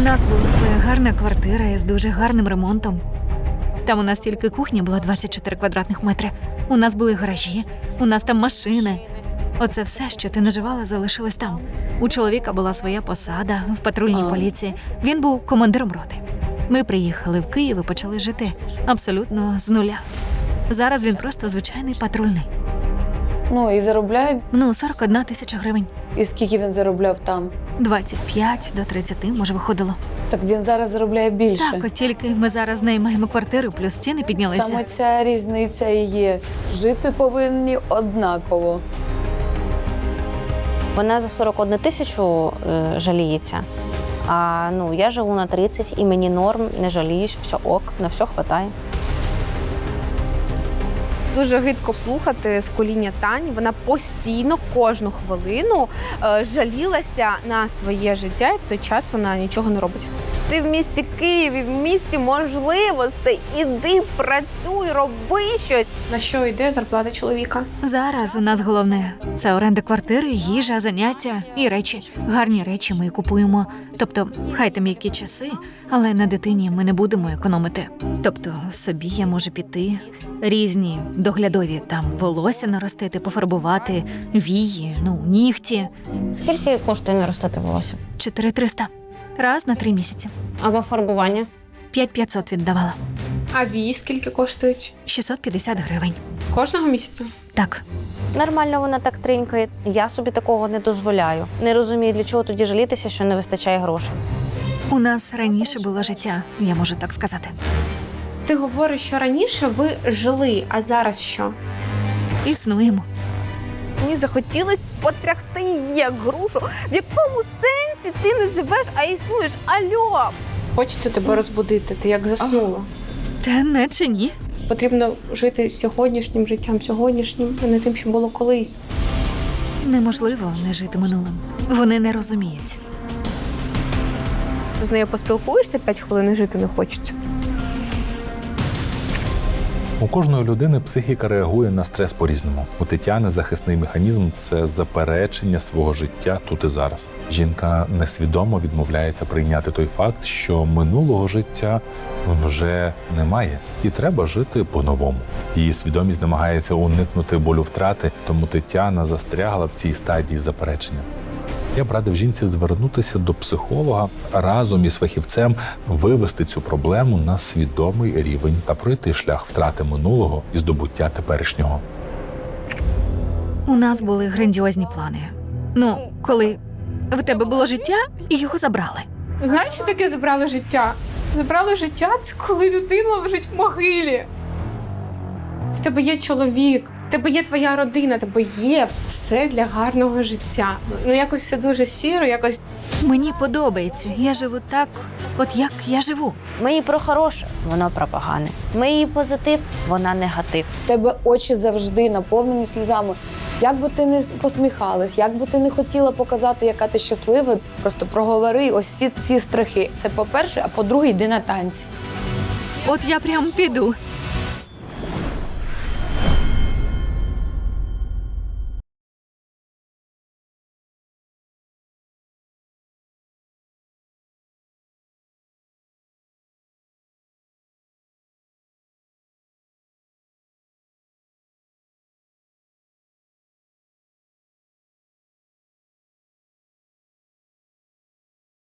нас була своя гарна квартира із дуже гарним ремонтом. Там у нас тільки кухня була 24 квадратних метри. У нас були гаражі, у нас там машини. Оце все, що ти наживала, залишилось там. У чоловіка була своя посада в патрульній поліції. Він був командиром роти. Ми приїхали в Київ і почали жити абсолютно з нуля. Зараз він просто звичайний патрульний. Ну, і заробляє. 41 тисяча гривень. І скільки він заробляв там? 25 до 30, може, виходило. Так він зараз заробляє більше. Так, от тільки ми зараз наймаємо квартиру, плюс ціни піднялися. Саме ця різниця і є. Жити повинні однаково. Вона за 41 тисячу жаліється, а я живу на 30 і мені норм, не жаліюсь, все ок, на все хватає. Дуже гидко слухати з коління Тані. Вона постійно, кожну хвилину жалілася на своє життя, і в той час вона нічого не робить. Ти в місті Києві, в місті можливостей. Іди, працюй, роби щось. На що йде зарплата чоловіка? Зараз у нас головне – це оренда квартири, їжа, заняття і речі. Гарні речі ми купуємо. Тобто, хай там які часи, але на дитині ми не будемо економити. Тобто, собі я можу піти, різні доглядові, там, волосся наростити, пофарбувати, вії, нігті. Скільки коштує наростити волосся? 4300. Раз на 3 місяці. Або фарбування? 5500 віддавала. А вії скільки коштують? 650 гривень. Кожного місяця? Так. Нормально вона так тринькає. Я собі такого не дозволяю. Не розумію, для чого тоді жалітися, що не вистачає грошей. У нас раніше було життя, я можу так сказати. Ти говориш, що раніше ви жили, а зараз що? Існуємо. Мені захотілось потряхти її як грушу. В якому сенсі ти не живеш, а існуєш? Альо! Хочеться тебе розбудити, ти як заснула. Та не чи ні? Потрібно жити сьогоднішнім життям, сьогоднішнім, а не тим, що було колись. Неможливо не жити минулим. Вони не розуміють. З нею поспілкуєшся 5 хвилин і жити не хочеться. У кожної людини психіка реагує на стрес по-різному. У Тетяни захисний механізм – це заперечення свого життя тут і зараз. Жінка несвідомо відмовляється прийняти той факт, що минулого життя вже немає, і треба жити по-новому. Її свідомість намагається уникнути болю втрати, тому Тетяна застрягла в цій стадії заперечення. Я б радив жінці звернутися до психолога, разом із фахівцем вивести цю проблему на свідомий рівень та пройти шлях втрати минулого і здобуття теперішнього. У нас були грандіозні плани. Коли в тебе було життя, і його забрали. Знаєш, що таке забрали життя? Забрали життя – це коли людина лежить в могилі. В тебе є чоловік, в тебе є твоя родина, в тебе є все для гарного життя. Якось все дуже щиро, якось... Мені подобається. Я живу так, от як я живу. Ми її про хороше, вона про погане. Ми її позитив, вона негатив. В тебе очі завжди наповнені сльозами. Як би ти не посміхалась, як би ти не хотіла показати, яка ти щаслива, просто проговори ось ці страхи. Це по-перше, а по-друге, йди на танці. От я прям піду.